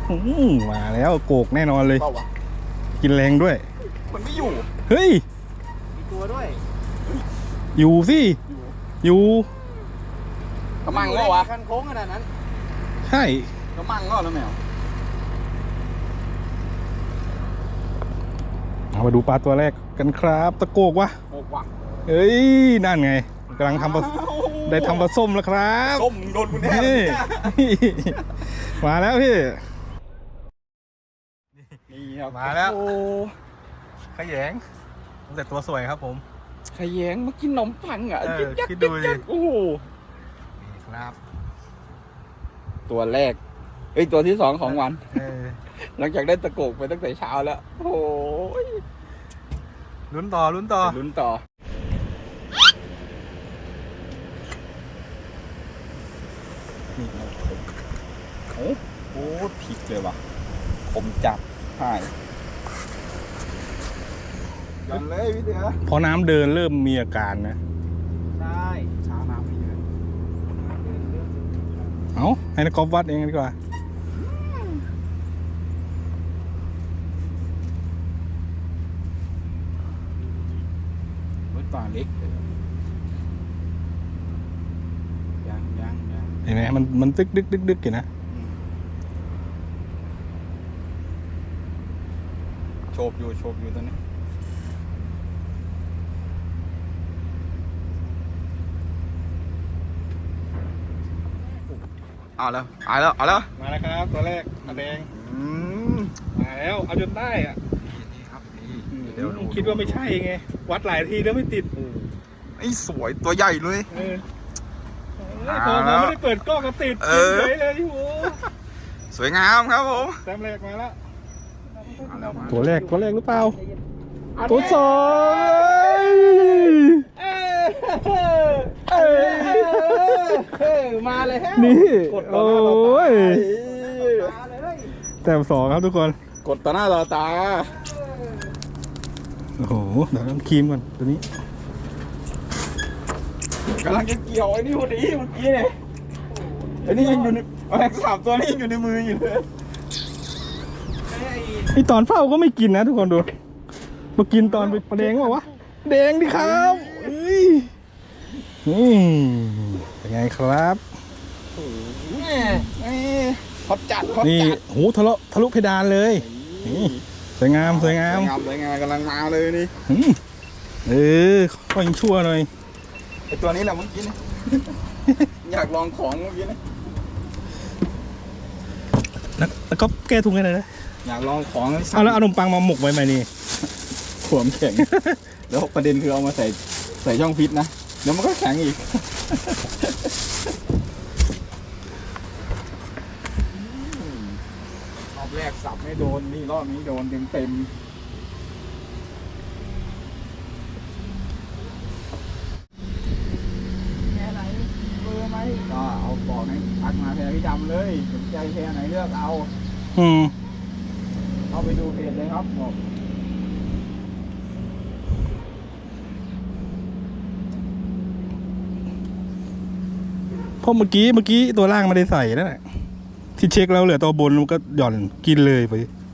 มาแล้วโกกแน่นอนเลยกินแรงด้วยมันไม่อยู่เฮ้ยมีตัวด้วยอยู่สิอยู่กระมังก็วะคันโค้งขนาดนั้นใช่กระมังก็แล้วแมวเอามาดูปลาตัวแรกกันครับตะโกกวะโกกว่ะเฮ้ยนั่นไงกำลังทำได้ทำปลาส้มแล้วครับส้มโดนกูแน่มาแล้วพี่นี่ครับมาแล้วขยงแต่ตัวสวยครับผมขยงมากินขนมปังอ่ะคิดดูดิโอ้โหครับตัวแรกตัวที่2ของวันหลังจากได้ตะโกกไปตั้งแต่เช้าแล้วโอ้ยลุ้นต่อนี่โอ้โหผิดเลยว่ะผมจับหายกันเลยพี่เสือพอน้ำเดินเริ่มมีอาการนะใช่ช้าน้ำไม่เดินเอาให้นักกอล์ฟวัดเองดีกว่าป่าเล็กยังเห็นไหมมันตึกดึกอยู่นะโฉบอยู่ตอนนี้เอาแล้วมาแล้วครับตัวแรกมาแดงมาแล้วเอาจนได้อ่ะนี่ครับคิดว่าไม่ใช่ไงวัดหลายทีแล้วไม่ติดไอ้สวยตัวใหญ่เลยพอไม่ได้เปิดกล้องก็ติดเลยโอ้สวยงามครับผมแต้มแรกมาแล้วตัวแรกหรือเปล่าตัวสองมาเลยนี่โอ้ยแต้ม2ครับทุกคนกดต่อหน้าต่อตาโอ้โหเดี๋ยวต้องครีมก่อนตัวนี้กำลังจะเกี่ยวไอ้นี่พอดีเมื่อกี้เนี่ยไอ้นี่ยังอยู่ในแม็ก3ตัวนี้อยู่ในมืออยู่เลยไอตอนเฝ้าก็ไม่กินนะทุกคนดูมากินตอนไปแดงบอกว่าแดงดิครับนี่เป็นไงครับฮอตจัดนี่โหทะลุเพดานเลยนี่สวยงามกำลังมาเลยนี่ค่อยชั่วหน่อยไอตัวนี้แหละเมื่อกี้นี่อยากลองของเมื่อกี้นี่แล้วก็แก้ทุงให้หน่อยนะอยากลองของเอาแล้วเอาขนมปังมาหมกไว้ไหมนี่ขวมแข็งแล้วประเด็นคือเอามาใส่ช่องฟิตนะเดี๋ยวมันก็แข็งอีกรอบแรกสับไม่โดนนี่รอบนี้โดนเต็มแค่ไหนเบอร์ไหมก็เอาบอกให้ทักมาแพรพี่ดำเลยสนใจแพรไหนเลือกเอาเอาไปดูเพจเลยครับบอกเพราะเมื่อกี้ตัวล่างไม่ได้ใส่นั่นแหละที่เช็คแล้วเหลือตัวบนมันก็หย่อนกินเลยไป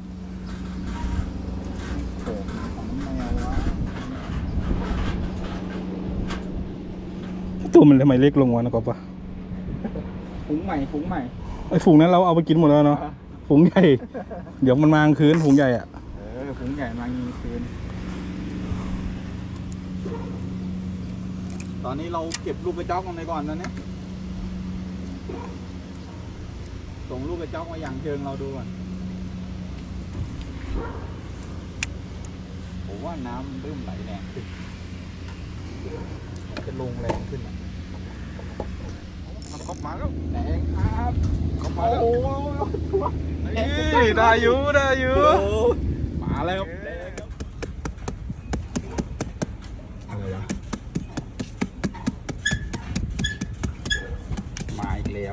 ตัวมันทำไมเล็กลงวะนะก๊อฟปะฝูงใหม่ไอ้ฝูงนั้นเราเอาไปกินหมดแล้วเนาะฝูงใหญ่เดี๋ยวมันมากลางคืนฝูงใหญ่อ่ะฝูงใหญ่มากลางคืนตอนนี้เราเก็บลูกกระจอกกันไปก่อนนะเนี่ยส่งลูกกระจอกมาอย่างเชิงเราดูก่อนผมว่าน้ำเริ่มไหลแรงขึ้นจะลงแรงขึ้นอ่ะก๊อฟมาแล้วแรงครับก๊อฟมาแล้วโอ้ได้อยู่มาแล้วมาอีกแล้ว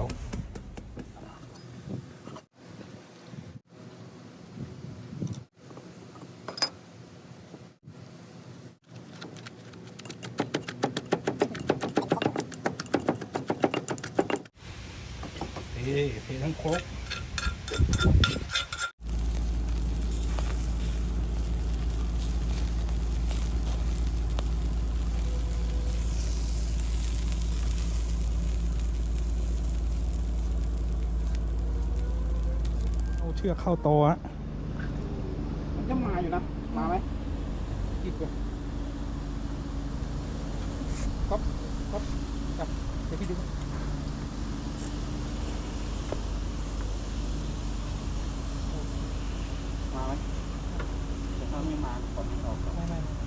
เททั้งโคกเอาเชือกเข้าโตะฮะมันจะมาอยู่นะ มาไหมติดเลยครับจับเดี๋ยวพี่ดูมาไหมแต่ถ้าไม่มาตอนนี้ออกไม่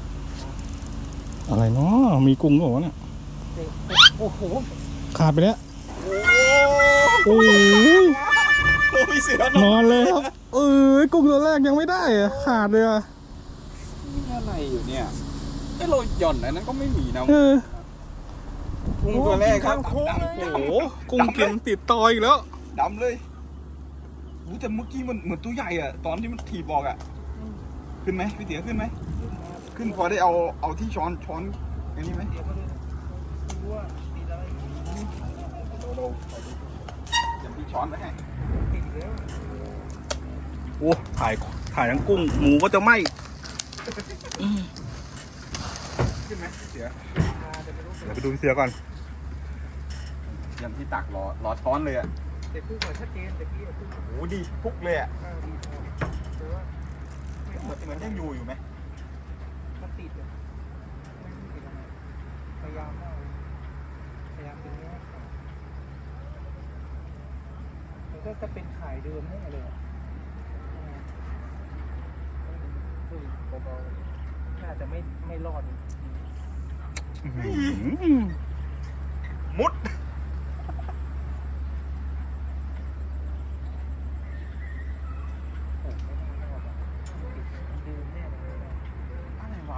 อะไรเนาะมีกุ้งเหรอวะเนี่ยโอ้โหขาดไปแล้วโอ้ยโอ้ยเสือนอนเลยครับกุ้งตัวแรกยังไม่ได้อะขาดเลยอะนี่อะไรอยู่เนี่ยไอ้เราหย่อนอันนั้นก็ไม่มีนะ กุ้งตัวแรกครับโอ้โหกุ้งกินติดตออีกแล้วดำเลยโอ้แต่เมื่อกี้มันเหมือนตัวใหญ่อะตอนที่มันถีบบอกอะขึ้นไหมพี่เตี๋ยขึ้นไหมขึ้นพอได้เอาที่ช้อนอันนี้ไหมอย่างที่ช้อนไปให้โอ้ถ่ายทั้งกุ้งหมูก็จะไหมขึ้นไหมพี่เตี๋ยเดี๋ยวไปดูพี่เสือก่อนอย่างที่ตักรอช้อนเลยอะแต่คู่ก่อนชัดเจนแต่พี่คู่โอ้ดีพุกเลยอะแต่ว่าเหมือนยังอยู่ไหมมันติดเลยไม่ติดอะไรพยายามมากเลยพยายามเป็นเนื้อขาดมันก็จะเป็นขายเดิมแน่เลยอ่ะเบาๆน่าจะไม่รอดมุดโอ้ไม่น่ารอดอ่ะเดิมแน่เลยอะไรวะ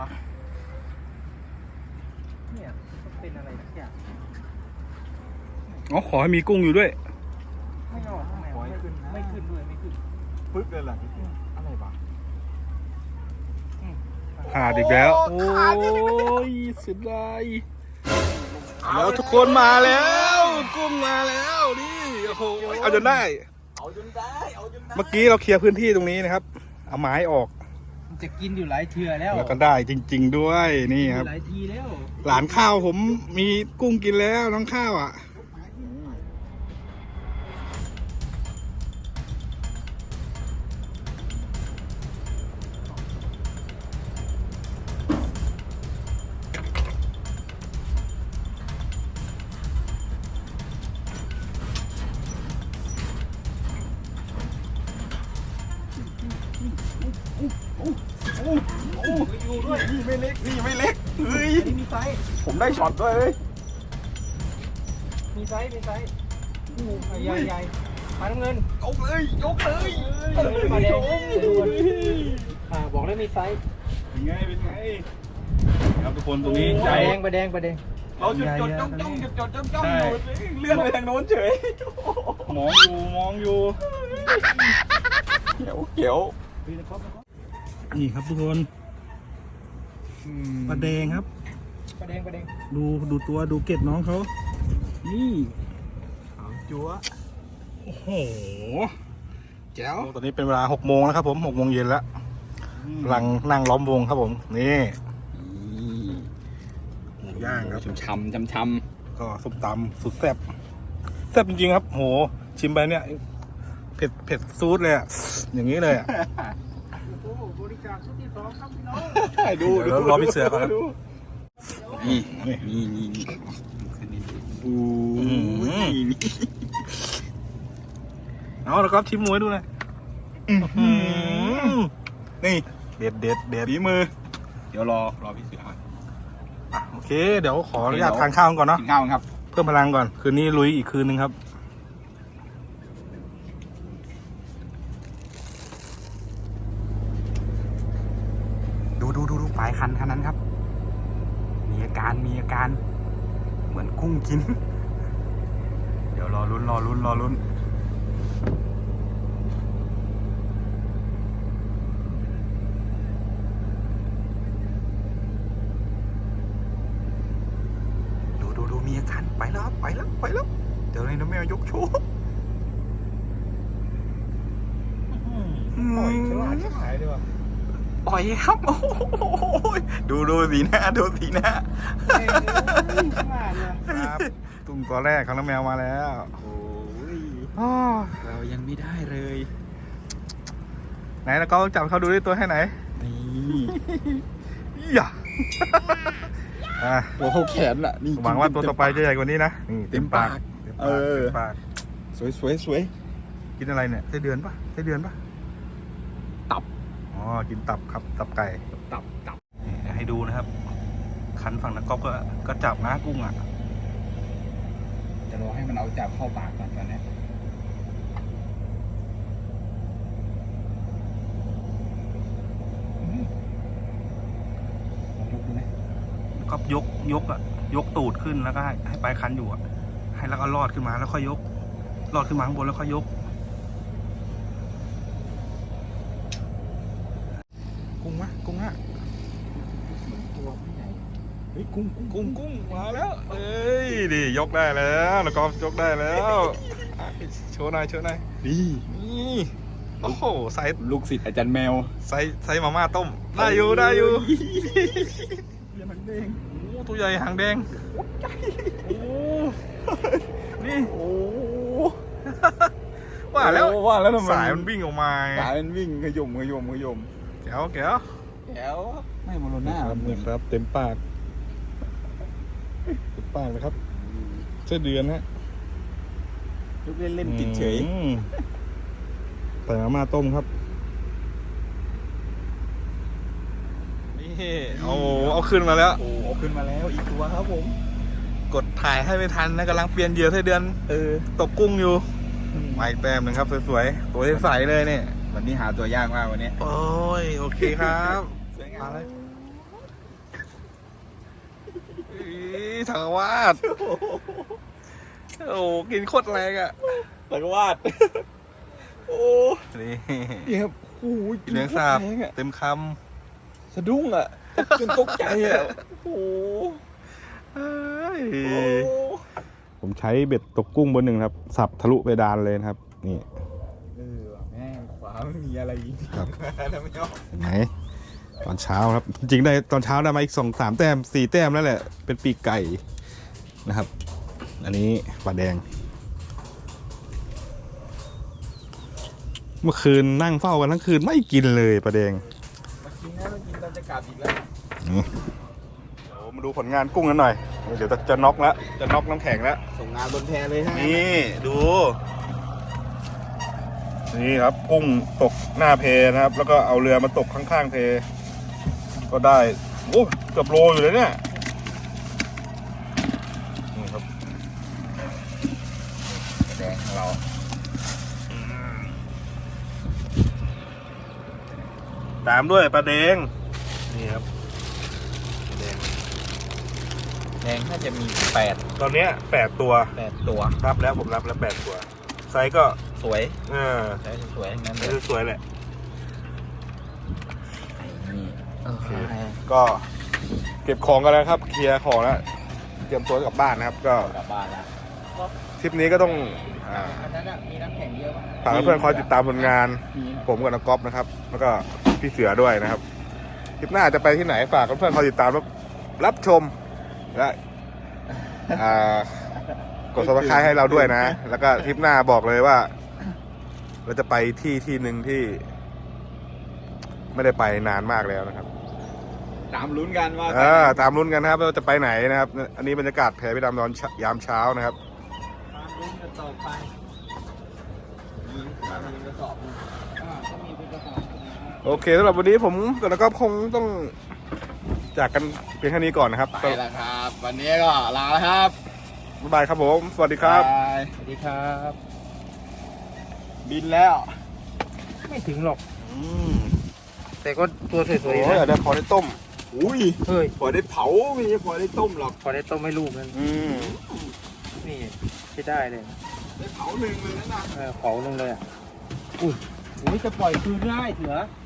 เนี่ยมันเป็นอะไรสักอย่างอ๋อขอให้มีกุ้งอยู่ด้วยไม่รอดทำไมไม่ขึ้นด้วยไม่ขึ้นปึ๊กเลยเหรอพี่เตี๋ยอะไรวะขาดอีกแล้ว โอ้ยเสียดายแล้วทุกคนมาแล้วกุ้งมาแล้วนี่โอ้โหเอาจนได้เอาจนได้เมื่อกี้เราเคลียร์พื้นที่ตรงนี้นะครับ เอาไม้ออกมันจะกินอยู่หลายเทื่อแล้วแล้วก็ได้จริง ๆด้วยนี่ครับหลายทีแล้วหลานข้าวผมมีกุ้งกินแล้วน้องข้าวอ่ะอยู่ด้วยนี่ไม่เล็กเฮ้ยอันนี้มีไซส์ผมได้ช็อตด้วยเฮ้ยมีไซส์ใหญ่ปลาน้ำเงินยกเลยปลาแดงบอกแล้วมีไซส์เป็นไงครับทุกคนตรงนี้ปใจลาแดงเราจุดจ้องอยู่เลื่อนไปทางโน้นเฉยมองอยู่เขียวนี่ครับทุกคนปลาแดงครับปลาแดงดูตัวดูเกล็ดน้องเขานี่จั๊วโอ้โหแจ๋วตอนนี้เป็นเวลา6 โมงแล้วครับผม6 โมงเย็นแล้วกำลังนั่งล้อมวงครับผมนี่หมูย่างครับช้ำก็ส้มตำสุดแซ่บจริงๆครับโหชิมไปเนี่ยเผ็ดซูดเลยอะอย่างนี้เลยอะโอ้บริจาคชุดที่2ครับพี่น้องดูเดี๋ยวรอพี่เสือก่อนนะนี่เอาแล้วก็ชิมหมูให้ดูหน่อยนี่เด็ดฝีมือ เดี๋ยวรอพี่เสืออ่ะโอเคเดี๋ยวขออนุญาตทานข้าวก่อนเนาะกินข้าวครับเพิ่มพลังก่อนคืนนี้ลุยอีกคืนนึงครับดูปลายคันนั้นครับ มีอาการเหมือนกุ้งกิน เดี๋ยวรอลุ้นดูมีอาการไปแล้วเดี๋ยวเลยนะแม่ยกโชว์ปล่อยฉลาดชิบหายเลยว่ะปล่อยครับโอ้โหดูสีหน้าดูสีหน้าเฮ้ยฉลาดเลยครับตุ่มตัวแรกของน้ำแมวมาแล้วโอ้ยอ้อเรายังไม่ได้เลยไหนแล้วก็จับเขาดูด้วยตัวให้ไหนนี่อย่าอ่ะตัวเขาแขนอ่ะนี่หวังว่าตัวต่อไปจะใหญ่กว่านี้นะนี่เต็มปากเต็มเอปากอเต็มปากสวยกินอะไรเนี่ยไส้เดือนปะไส้เดือนปะตับอ๋อกินตับครับตับไก่ตับนี่ให้ดูนะครับ คันฝั่งนักกอล์ฟก็จับนะกุ้งอ่ะจะรอให้มันเอาจับเข้าปากก่อนตอนนี้ลองยกดูนะก็ยกอ่ะยกตูดขึ้นแล้วก็ให้ปลายคันอยู่อ่ะให้แล้วก็ลอดขึ้นมาแล้วค่อยยกลอดขึ้นมาข้างบนแล้วค่อยยกกุ้งมะกุ้งฮะตัวไม่ใหญ่เฮ้ยกุ้งกุ้งมาแล้วเอ้ยดิยกได้แล้วแล้วก็ยกได้แล้วโชว์หน่อยนี่นี่โอ้โหไซส์ลูกศิษย์อาจารย์แมวไซส์มาม่าต้มได้อยู่เรียนมันเองโอ้ตัวใหญ่หางแดงโอ้นี่โอ้ว่าแล้วว่าแล้วทำไมสายมันวิ่งออกมาสายมันวิ่งขยมแก้วแก้วไม่โมโนหน้านี่ครับเต็มปากเลยครับเส้นเดือนฮะลูกเล่นติดเฉยใส่มาม่าต้มครับนี่เอาขึ้นมาแล้วโอ้เอาขึ้นมาแล้วอีกตัวครับผมกดถ่ายให้ไม่ทันนะกำลังเปลี่ยนเหยื่อไส้เดือนตกกุ้งอยู่มาอีกแต้มหนึ่งครับสวยๆตัวใสๆเลยเนี่ยวันนี้หาตัวยากมากวันนี้โอ้ยโอเคครับสวยงามาม เลยถังวาดโอ้กินโคตรแรงอ่ะตะกวาดโอ้นี่ยครับโอ้ยเลี้ยงสาบแรงอะเต็มคสะดุ้งอ่ะจนตกใจอ่ะโอ้ำเอ้ยโอ้ผมใช้เบ็ดตกกุ้งบนหนึ่งครับ สับทะลุเพดานเลยนะครับ นี่ว่ะแม่งขวาไม่มีอะไรจริงๆครับแล้วไม่เอาไหนตอนเช้าครับ จริงๆได้ตอนเช้าได้มาอีก2-3 แต้ม4 แต้มแล้วแหละ เป็นปีกไก่นะครับ อันนี้ปลาแดง เมื่อคืนนั่งเฝ้ากันทั้งคืนไม่กินเลยปลาแดงมากินนะมากินตอนจะกลับอีกแล้วนี่เดี๋ยวมาดูผลงานกุ้งกันหน่อย เดี๋ยวจะน็อกแล้ว จะน็อกน้ำแข็งแล้วส่งงานบนแพเลยฮะนี่ดู นี่ครับกุ้งตกหน้าเพนะครับ แล้วก็เอาเรือมาตกข้างๆเพก็ได้โอ้เกือบโลอยู่เลยเนี่ยนี่ครับแดงของเราตามด้วยปลาแดงนี่ครับปลาแดงแดงน่าจะมี8 ตอนเนี้ย8 ตัวตัวรับแล้วผมรับแล้ว8 ตัว ไซส์ก็สวยไซส์สวยงั้นสวยแหละนี่โอเค ก็เก็บของกันแล้วครับ เคลียร์ของแล้วเตรียมตัวกลับบ้านนะครับ ก็กลับบ้านแล้วทริปนี้ก็ต้องอันนั้นมีน้ำแข็งเยอะมากฝากเพื่อนๆคอยติดตามผลงาน ผมกับนักกอล์ฟนะครับ แล้วก็พี่เสือด้วยนะครับทริปหน้าจะไปที่ไหนฝากเพื่อนๆคอยติดตามรับชมและกดซับสไครต์ให้เราด้วยนะ แล้วก็ทริปหน้าบอกเลยว่า เราจะไปที่หนึ่งที่ ไม่ได้ไปนานมากแล้วนะครับตามลุ้นกันว่าตามลุ้นกันนะครับว่าจะไปไหนนะครับ อันนี้บรรยากาศแผ่ไปตามตอนยามเช้านะครับตามลุ้นกันต่อไปมีกระสอบก็มีเป็นกระสอบโอเคสำหรับวันนี้ผมกับนักกอล์ฟคงต้องจากกันเพียงแค่นี้ก่อนนะครับไปแล้วครับ วันนี้ก็ลาแล้วครับบ๊ายบายครับผม สวัสดีครับบายสวัสดีครับบินแล้วไม่ถึงหรอกแต่ก็ตัวสวยโอ้ๆยนะเดี๋ยวพอได้ต้มอุ้ยเฮ้ยพอได้เผาไม่ใช่พอได้ต้มหรอกพอได้ต้มให้ลูกนั้น นี่ใช้ได้เลยได้เผาหนึ่งเลยนะเผาลงเลยอ่ะอุ้ยจะปล่อยคืนได้เถือเ